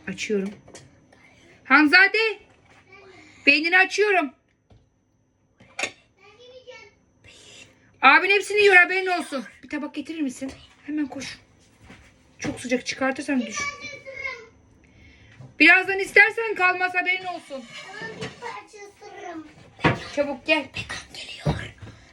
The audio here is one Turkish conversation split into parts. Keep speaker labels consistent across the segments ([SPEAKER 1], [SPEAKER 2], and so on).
[SPEAKER 1] Açıyorum. Hanzade. Beynini açıyorum. Abin hepsini yiyor, haberin olsun. Bir tabak getirir misin? Hemen koş. Çok sıcak, çıkartırsan düş. Birazdan istersen kalmaz, haberin olsun. Çabuk gel.
[SPEAKER 2] Megan geliyor.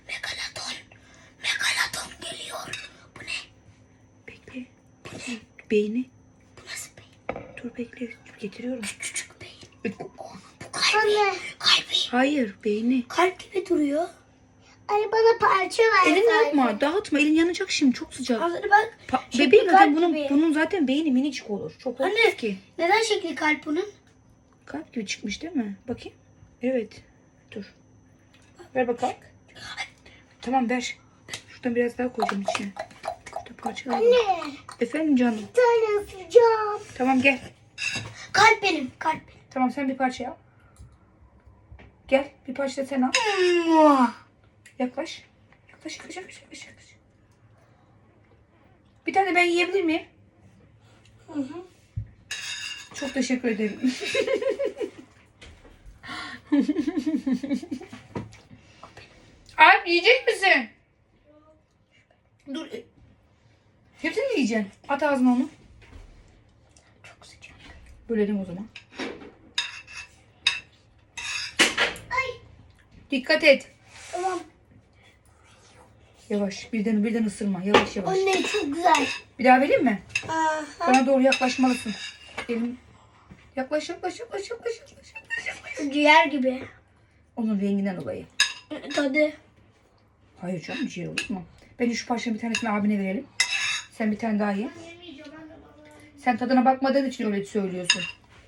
[SPEAKER 2] Megalodon geliyor. Bu ne?
[SPEAKER 1] Bekle. Beyni.
[SPEAKER 2] Bu nasıl beyin?
[SPEAKER 1] Dur bekle. Getiriyorum.
[SPEAKER 2] Küçük beyin.
[SPEAKER 1] E,
[SPEAKER 2] Bu kalbi. Kalbi.
[SPEAKER 1] Hayır, beyni.
[SPEAKER 2] Kalp gibi duruyor. Ay bana parça ver.
[SPEAKER 1] Elini yapma. Dağıtma. Elin yanacak şimdi. Çok sıcak.
[SPEAKER 2] Hazır bak.
[SPEAKER 1] Bebeğim zaten
[SPEAKER 2] kalp gibi.
[SPEAKER 1] bunun zaten beyni minicik olur. Çok olmaz
[SPEAKER 2] Anne.
[SPEAKER 1] ki.
[SPEAKER 2] Neden şekli kalp bunun?
[SPEAKER 1] Kalp gibi çıkmış değil mi? Bakayım. Evet. Dur. Ver bakalım. Tamam ver. Şuradan biraz daha koyacağım içine. Şurada parçalar var.
[SPEAKER 2] Anne.
[SPEAKER 1] Efendim canım.
[SPEAKER 2] Bir tane ısıracağım.
[SPEAKER 1] Tamam gel.
[SPEAKER 2] Kalp benim. Kalp benim.
[SPEAKER 1] Tamam sen bir parça al. Gel bir parça da sen al. Yaklaş. Yaklaş. Bir tane ben yiyebilir miyim?
[SPEAKER 2] Hı hı.
[SPEAKER 1] Çok teşekkür ederim. Alp yiyecek misin? Dur. Hepsini mi yiyeceksin? At ağzına onu.
[SPEAKER 2] Çok sıcak.
[SPEAKER 1] Bölelim o zaman.
[SPEAKER 2] Ay.
[SPEAKER 1] Dikkat et.
[SPEAKER 2] Tamam.
[SPEAKER 1] Yavaş. Birden ısırma. Yavaş.
[SPEAKER 2] Anne çok güzel.
[SPEAKER 1] Bir daha vereyim mi?
[SPEAKER 2] Aha.
[SPEAKER 1] Bana doğru yaklaşmalısın. Elim. Yaklaş.
[SPEAKER 2] Ciğer gibi.
[SPEAKER 1] Onun renginden dolayı.
[SPEAKER 2] Tadı.
[SPEAKER 1] Hayır canım, ciğer olur mu? Ben şu parçanın bir tanesini abine verelim. Sen bir tane daha ye. Sen tadına bakmadığın için öyle söylüyorsun.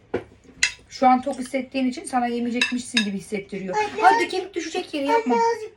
[SPEAKER 1] Şu an tok hissettiğin için sana yemeyecekmişsin gibi hissettiriyor. Hadi kemik düşecek yere yapma.